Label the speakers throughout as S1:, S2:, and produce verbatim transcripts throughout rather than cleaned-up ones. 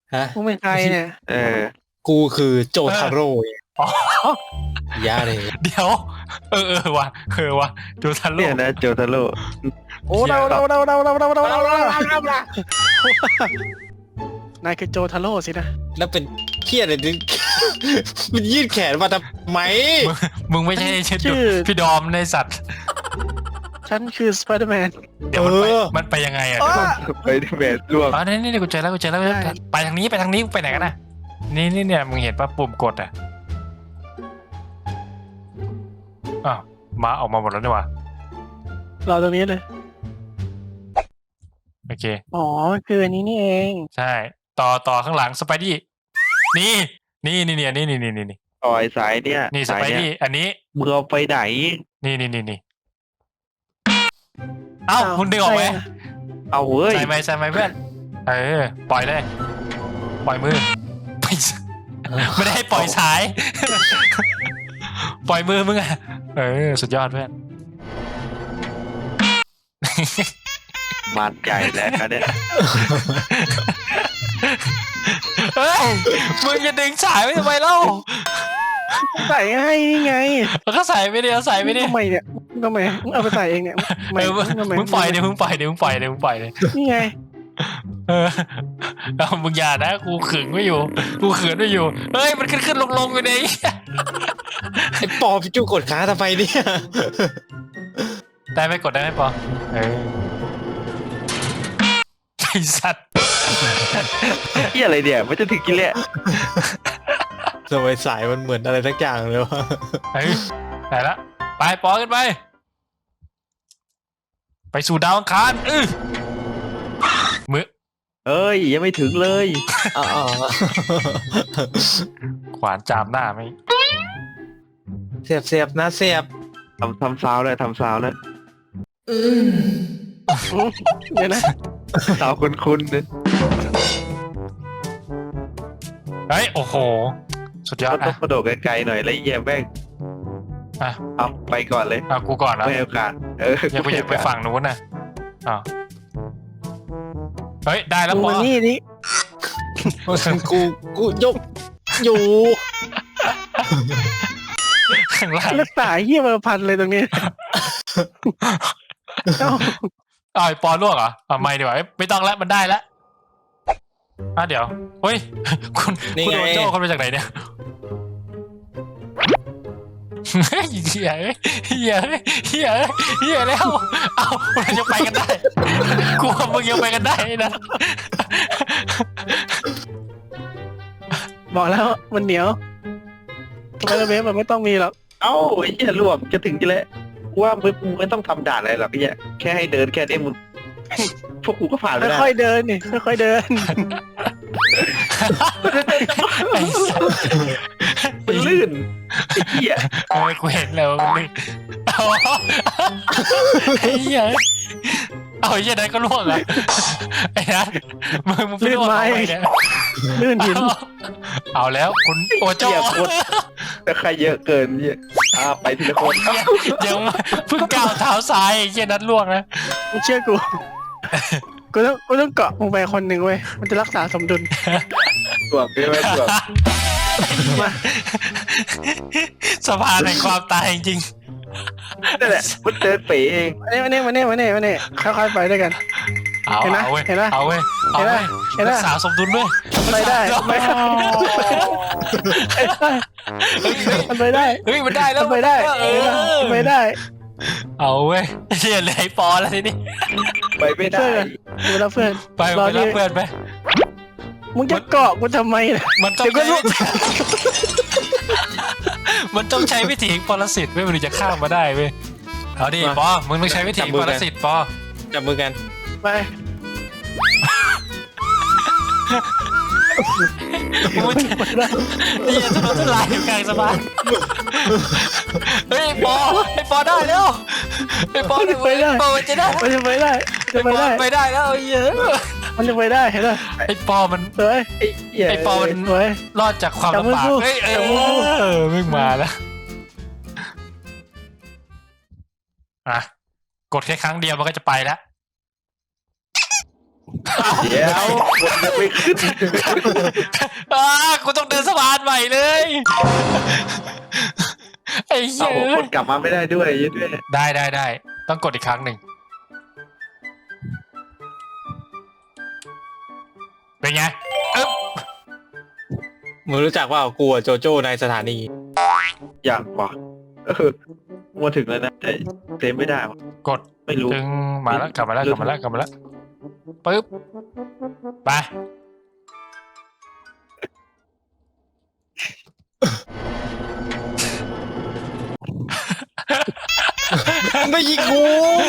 S1: ฮะ
S2: มึงเป็นใครเนี่ย
S3: เออ
S1: กูคือโจทาโร่ไง
S4: อ๋อ
S1: ยาเลย
S4: เดี๋ยวเออเออว่ะเออว่ะโจทันโล
S3: เนี่ยนะโจทาโร่
S2: โอ้เราเราเราเราเราเราเราเราเราเรานายคือโจทาโร่สินะ
S1: แล้วเป็นเครียดเลยดิ มันยืดแขนมาทำไม
S4: มึงมึงไม่ใช่ชื่อพี่ดอมในสัตว์
S2: ฉันคือสไปเดอร์แมน
S4: เดี๋ยวมันไป
S1: เออ
S4: มันไปยังไงอ่ะ
S2: อ๋อ
S3: ไปที่เบสรวม
S4: อ๋อนี่นี่กูเจอแล้วกูเจอแล้ว
S2: ได้
S4: ไปทางนี้ไปทางนี้ไปไหนกันนะนี่นี่เนี่ยมึงเห็นป่ะปุ่มกดอ่ะอ้าวมาออกมาหมดแล้วนี่หว่าร
S2: อตรงนี้เลย
S4: โอเค
S2: อ๋อคืออันนี้นี่เอง
S4: ใช่ต่อต่อข้างหลังสไปดี้นี่นี่นี่นี่นี่นี่นี่นี่
S3: ต่อยสายเนี่ย
S4: นี่ส
S3: สาย
S4: ไป
S3: เนี่ย
S4: ดี้อันนี้
S3: มึงเอาไปไหน
S4: นี่นี่นี่นี่เอ้าคุณดึงออกไหม
S3: เอาเว้ย
S4: ใส่ไหมใส่ไหมเพื่อนเออปล่อยเลยปล่อยมือไม่ไม่ได้ให้ปล่อยสาย ปล่อยมือมึงอะเออสุดยอดเพื่อน
S3: มันใหญ่แล้วนะเนี่ย
S4: เฮ้ยมึงจะดึงสายไว้ทำไมเล่า
S2: ใส่ให้นี่ไง
S4: มันก็ใส่ไม่ได้เอาใส่ไม่ได้
S2: ทำไมเนี่ยทำไมมึงเอาไปใส่เองเนี่ย
S4: เออมึง
S2: ทำไม
S4: มึงปล่อยเดี๋ยวมึงปล่อยเดี๋ยวมึงปล่อยเดี๋ยวมึงปล่อยเลย
S2: นี่ไง
S4: เออเอามึงอย่านะกูขึงไม่อยู่กูขืนไม่อยู่เฮ้ยมันขึ้นขึ้นลงลงอยู่ใน
S1: ไอ้ปอพี่จูกดขาทำไมเนี่ย
S4: ได้ไหมกดได้ไหมปอเออไอสัตว์
S3: เหียอะไรเนี่ยมันจะถึงกินแล้ว
S1: ทำไมสายมันเหมือนอะไรสักอย่างเลยวะ
S4: เฮ้ยได้ละไปปอกันไป ไปสู่ดาวอังคารเออมือ
S3: เอ้ยยังไม่ถึงเลย
S1: อ๋อ
S4: ขวานจามหน้าไหม
S1: เสียบเสียบนะเสียบ
S3: ทำทำซาวเลยทำซาวเลย
S2: เดี๋ยวนะ
S3: ซาวคุ้นๆเนี่ย
S4: เฮ้ยโอ้โหสุดยอด
S3: ต้อ
S4: อ่ะ
S3: งกระโดดไกลๆหน่อยแล้วเยี่ยแม่ง
S4: อ่ะ
S3: เอาไปก่อนเลย
S4: อ่ะกูก่อนนะ
S3: ไม่ให้โอกาสเออ
S4: อย่าไปอย่าไปฝั่งนู้นนะอ้าวเฮ้ยได้แล้ว
S2: มึง
S4: ปอ
S2: มานี่นี่
S1: กูกูยกอยู่
S4: ข้างล่าง
S2: รักษาเหี้ยมาพันเลยตรงนี้เอ้า
S4: อ้าวไอ้ปอลวกเหรออ่ะไม่ดีกว่าเอ้ยไม่ต้องแล้วมันได้แล้วอ่ะเดี๋ยวเฮ้ยคุณคุณโดนโจ้เขามาจากไหนเนี่ยเฮ้ยเฮียเฮ้ยเฮียเฮ้ยเฮียเฮ้ยเฮียแล้วเอ้ามันยังไปกันได้กูว่ามึงยังไปกันได้นะ
S2: บอกแล้วมันเหนียวสไปเดอร์แมนมันไม่ต้องมีหรอก
S3: เอ้าไอ้เหี้ยรวมจะถึงกินแล้วกูว่ามึงมึงไม่ต้องทำด่านอะไรหรอกไอ้เหี้ยแค่ให้เดินแค่นี้มึง พวกกูก็ผ่านไปแล้ว
S2: ค่อยๆเดินนี่ค่อยๆเดิน
S4: ไอ้สัส
S3: มันลื่นไอ้เหี้ย
S4: โอ้ยกูเห็นแล้วมันนี่เอาไอ้เหี้ยเอาไอ้เหี้ยนั้นก็ล่วงอ่ะไอ้นัทมึงมึงไปล่วงเอาไปเนี่ย
S2: ลื่นหิน
S4: เอาแล้วคุณโอโจ้
S3: เหี้ยโคตรแต่ใครเยอะเกินเนี่ยอ่าไปทีละคน
S4: ยังเพิ่งก้าวเท้าซ้ายไอ้เหี้ยนัทล่วงนะ
S2: มึงเชื่อกูกูต้องกูต้องเกาะมึงไปคนหนึ่งเว้ยมันจะรักษาสมดุล
S3: รวมไม่ไม่รวม
S2: มา
S4: สะพานแห่งความตายจริง
S3: นั่นแหละมันเดินเป๋เอง
S2: มาเนี่ยมาเนี่ยมาเนี่ยมาเนี่ยค่อยๆไปด้วยกัน
S4: ๆเอา
S2: เห็นไหม
S4: เอาเว้ย
S2: เห็นไหม
S4: เอาเว้ยเอาเว้ย
S2: เห็นไหม
S4: รักษาสมดุลด้วย
S2: ไปได้ไปได้มันไปได้
S4: เฮ้ยมันได้แล้ว
S2: มันไปได้
S4: เออ
S2: มันไปได้
S4: เอาเว้ยเชี่ยเลยไอ้ปอแล้วทีนี้
S3: ไปไม่ได้
S2: ดูแล้วเพื่อน
S4: ไป
S2: รอ
S4: ไป
S2: ดิ
S4: รับเพื่อนไป
S2: มึงจะเกาะกูทำไมล่ะ
S4: มันต้อง
S2: เดี๋ยวก็
S4: ใช้
S2: รู้
S4: วิธีมันต้องใช้วิธีปรสิตเว้ยมันถึงจะข้ามมาได้เว้ยเอาดิปอมึงต้องใช้วิธีปรสิตปอ
S1: จับมือกัน
S2: ไป
S4: มึงจะ
S2: ไปได้
S4: นี่จะโดนทลายอยู่กลางสะพานเฮ้ยปอไอ้ปอได้แล้วไอ้ปอไอ้ปอมันจะได้
S2: มันจะไปได้จะ
S4: ไอ้
S2: ไป
S4: ปอ
S2: ได้
S4: ไปได้แล้วไอ้เหี้ย
S2: มันจะไปได้เห็นไหม
S4: ไอ้ปอมัน
S2: สวย
S3: ไอ้เหี้ย
S4: ไอ้ปอมัน
S2: สวย
S4: รอดจากความ
S2: จับมือ
S4: ลำบาก
S2: สู้
S4: เฮ้ยเอ
S2: จับมือสู้
S4: อมึงมาแล้วอ่ะกดแค่ครั้งเดียวมันก็จะไปแล้ว
S3: เดี๋ยวคนจะไม่ขึ้น
S4: อ่ากูต้องเดินสะพานใหม่เลยไอ้เหี้
S3: เอา
S4: ย
S3: คนกลับมาไม่ได้ด้วยยัดด้วย
S4: ได้ได้ได้ต้องกดอีกครั้งหนึ่งเป็นไงอึ๊บ
S1: มึงรู้จักว่ากูอะโจโจ้ในสถานี
S3: อย่างว่ะเออมาถึงแล้วนะแต่เต็มไม่ได้ว่ะ
S4: กด
S3: ไม่รู้
S4: จึงมาแล้วกลับมาแล้วกลับมาแล้วกลับมาแล้วปึ๊บไป
S1: ไม่ยิงกู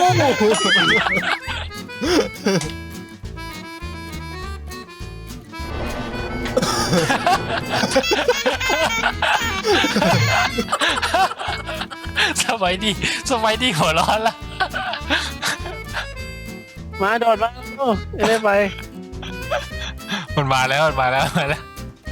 S4: สบายดีสบายดีหัวร้อนละ
S2: มาโดดมาโอ้ยได้ไป
S4: มันมาแล้วมันมาแล้วมาแล้ว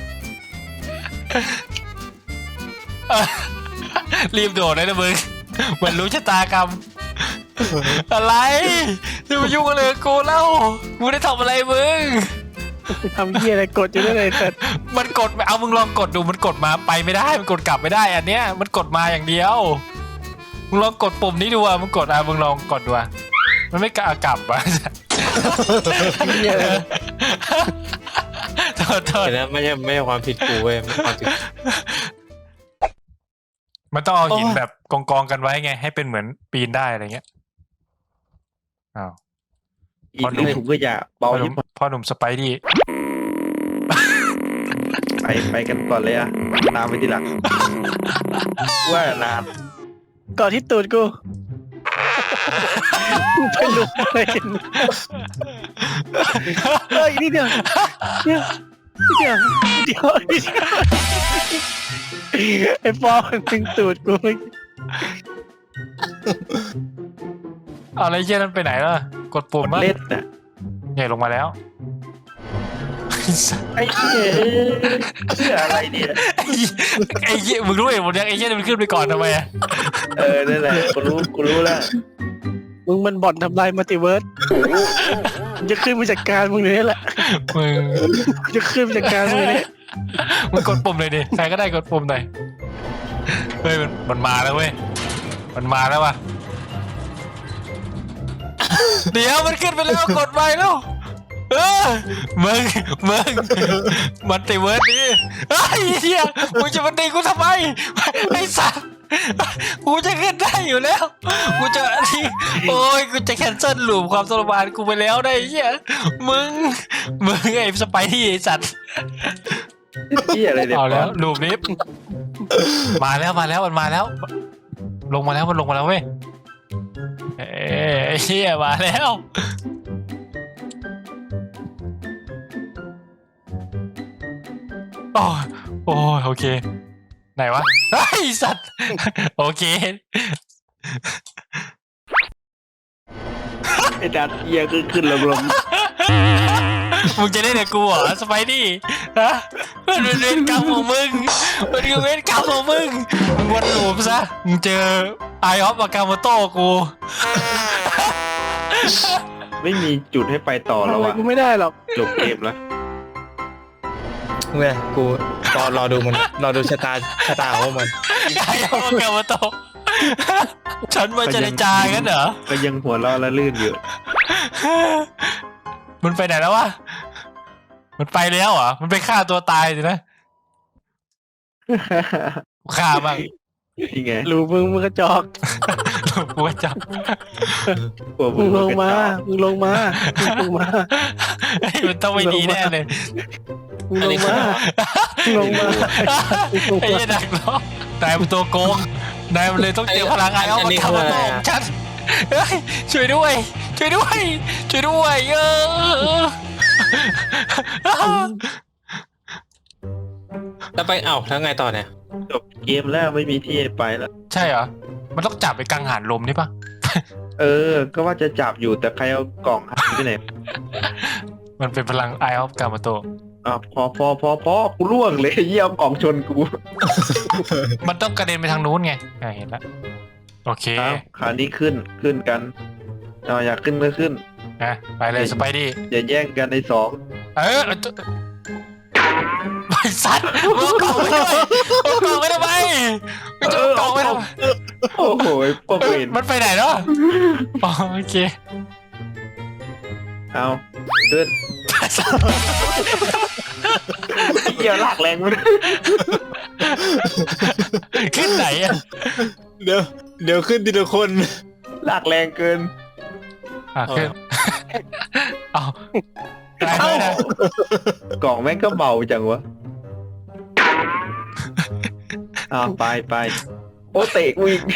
S4: เอ้ยรีบโดดเลยนะมึงมันรู้ชะตากรรมอะไรจะมายุ่งอะไรกับกูเล่ามึงได้ทำอะไรมึง
S2: ทำเหี้ยอะไรกดอยู่ได้เลยแต่
S4: มันกดเอามึงลองกดดูมันกดมาไปไม่ได้มันกดกลับไม่ได้อันเนี้ยมันกดมาอย่างเดียวมึงลองกดปุ่มนี้ดูอ่ะมึงกดอ่ะมึงลองกดดูอ่ะมันไม่กล้ากลับอ่ะ
S2: เหี้ยอะไร
S4: โทษโทษ
S1: เห็นนะไม่ใช่ไม่ใช่ความผิดกูเว้ยมันความผิด
S4: มันต้องเอาหิน
S1: โอ้ย
S4: แบบกองกองๆกันไว้ไงให้เป็นเหมือนปีนได้อะไรเงี้ยอ้าว
S3: อีกหนึ่งถุงก็อย่าเบา
S4: พ่อห
S3: ยิ
S4: นุ่
S3: บ
S4: มพ่อหนุ่มสไปดี้
S3: ไปไปกันก่อนเลยอะตามไปทีหลังว่านาน
S2: ก่อนที่ตูดกูกูไปลุกอะไรกันเฮ้ยนี่เดียวเนี่ยนี่เดียวนี่เดียวนี่เดียวไอ้ปอมันถึงตูดกูเมื่อกี้
S4: เอาอะไรเยี่ยนั้นไปไหนล่ะกดปุ่ม
S3: มัน
S4: มั้ย
S3: เล่นน่ะ
S4: เนี่ยลงมาแล้ว
S3: ไอ้เหี้ยเพื่ออะไรเนี่ย
S4: ไอ้เหี้ยไอ้เหี้ยมึงรู้เหตุผลยังไอ้เหี้ยมันขึ้นไปก่อนทำไมอะ
S3: เออนั่นแหละกูรู้กูรู้แล้ว
S2: มึงมันบ่อนทำลายมัลติเวิร์สมึงจะขึ้นมาจัดการมึงเลยนี่แหละ
S4: มึง
S2: มึงจะขึ้นมาจัดการมึงเนี่ย
S4: มึงกดปุ่มเลยดิใครก็ได้กดปุ่มหน่อยเฮ้ยมันมันมาแล้วเว้ยมันมาแล้วว่ะเดี๋ยวมันขึ้นไปแล้วกดไปแล้วเออมึงมึงมันติเวิร์ดดิไอ้เหี้ยมึงจะมาตีกูทำไมไอ้สัสกูจะขึ้นได้อยู่แล้วกูจะที่โอ้ยกูจะแคนเซิลลูปความทรมานกูไปแล้วได้ไอ้เหี้ยมึงมึงไอ้สไปที่ไอ้สัตว์
S3: เหี้ยอะไรเนี่ย
S4: เอาแล้วลูปนี้มาแล้วมาแล้วมันมาแล้ว ลงมาแล้วมันลงมาแล้วเว้ยเอ้ยไอ้เหี้ยมาแล้วโอ้ยโอ้ยโอเคไหนวะไอ้สัตว์โอเค
S3: ไอ้ดัดเหี้ยขึ้นขึ้นลงลง
S4: มึงจะได้แต่กูเหรอสไปดี้ฮะมันเป็นเวรกรรมของมึงมันคือเวรกรรมของมึงมึงวนลูปซะมึงเจอไอออฟอากาโมโต้กู
S3: ไม่มีจุดให้ไปต่อแล้ว
S2: ทำอะไร
S3: อะ
S2: กูไม่ได้หรอก
S3: จบเกมแล้ว
S1: เว้ยกูรอรอดูมันรอดูชะตาชะตาของมัน
S4: ไอออฟอากาโมโต้ฉันมาเจรจากันเหรอ
S3: ก็ยังหัวเราะและลื่นอยู่
S4: มันไปไหนแล้ววะมันไปแล้วเหรอมันไปฆ่าตัวตายสินะฆ่าบ้าง
S3: นี่ไง
S2: รู้มึงมึงกระจอก
S4: กูว่าจับ
S3: หัว
S2: มึงลงมา
S3: กระจอก
S2: มึงลงมามึงลงมา
S4: เฮ้ยมันต้องไม่ดีแน่เลย
S2: มึงลงมามึงลงมามึงลง
S4: ไอ้
S2: มา
S4: เหี้ยดักล้อนายเป็นตัวโกงนายมันเลยต้องเจอพลังงานเอามาทำมาตองฉันเฮ้ยช่วยด้วยช่วยด้วยช่วยด้วยเออ
S1: แล้วไปเอ้าแล้วไงต่อเนี่ย
S3: จบเกมแล้วไม่มีที่ให้ไปแล้ว
S4: ใช่เหรอมันต้องจับไปกังหันลมนี่ปะ
S3: เออ ก็ว่าจะจับอยู่แต่ใครเอากล่องหายไปไหน
S4: มันเป็นพลังไอออฟกามาโต
S3: อ่ะพอพอพอพอกูล่วงเลยเยี่ยมกล่องชนกู
S4: มันต้องกระเด็นไปทางนู้นไงอ่ะเห็นแล้วโอเค
S3: อ้าวคราวนี้ขึ้นขึ้นกันเอาอยากขึ้นก็ขึ้น
S4: นะไปเลยสไปดี้
S3: อย่าแย่งกันในสอง
S4: เออไอ้สัตว์มึงเอากล่องไปด้วยเอากล่องไปทำไมมึงจะเอากล่องไปทำไม
S3: โอ้โหพวกเวน
S4: มันไปไหนเนาะอ๋อโอเค
S3: เอาขึ้นเกี่ยวหลักแรงมัน
S4: ขึ้นไหนอ่ะ
S1: เดี๋ยวเดี๋ยวขึ้นทีละคน
S3: หลักแรงเกิน
S4: อ่ะขึ้นเอาได้ไหมนะ
S3: กล่องแม่งก็เบาจังวะเอาไปไปโอ้เตะกูอีก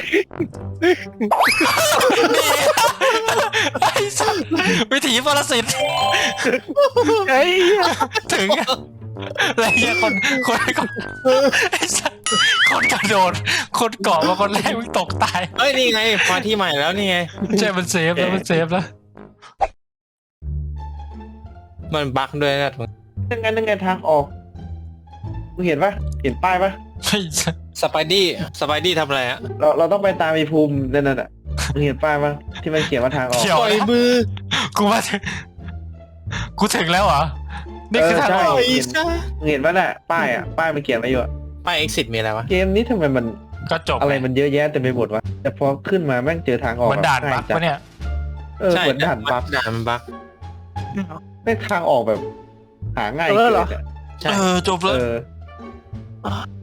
S4: ไอ้สัตว์วิถีปรสิต
S2: ไอ้
S4: ถึงอะไรเงี้ยคนคนคนไอ้สัตว์คนกระโดดคนเกาะมาคนแรกมึงตกตาย
S1: เอ้ยนี่ไงมาที่ใหม่แล้วนี่ไง
S4: ใช่มันเซฟแล้วมันเซฟแล้ว
S1: มันบั๊กด้วยนะ
S3: นั่นไงนั่นไงทางออกมึงเห็นปะเห็นป้ายปะ
S4: ไอ้สัตว์
S1: สไปดี้สไปดี้ทำอะไรอะ
S3: เราเราต้องไปตามไอ้ภูมินั่นน่ะมึงเห็นป้ายปะที่มันเขียนว่าทางออก
S4: เขียว
S1: ปล่อยมือ
S4: กูมาถึงกูถึงแล้วเหรอนี่คือทาง
S3: เออใช่
S4: ออก
S1: ปล่อยซะ
S3: มึงเห็นปะน่ะป้ายอ่ะป้ายมันเขียนไว้อยู่อะ
S1: ป้าย exit มีอะไรวะ
S3: เกมนี้ทำไมมัน
S4: ก็จบ
S3: อะไรมันเยอะแยะเต็มไปหมดวะแต่พอขึ้นมาแม่งเจอทางออก
S4: มันด่านบัก
S3: จัด
S4: ปะเนี่ย
S3: เออเหมือนด่านบัก
S1: ด่านมันบั๊ก
S3: แม่งทางออกแบบ หาง่าย
S2: เออเหรอ
S3: กินอะ
S1: ใช่
S4: เออจบเล
S3: เอย อ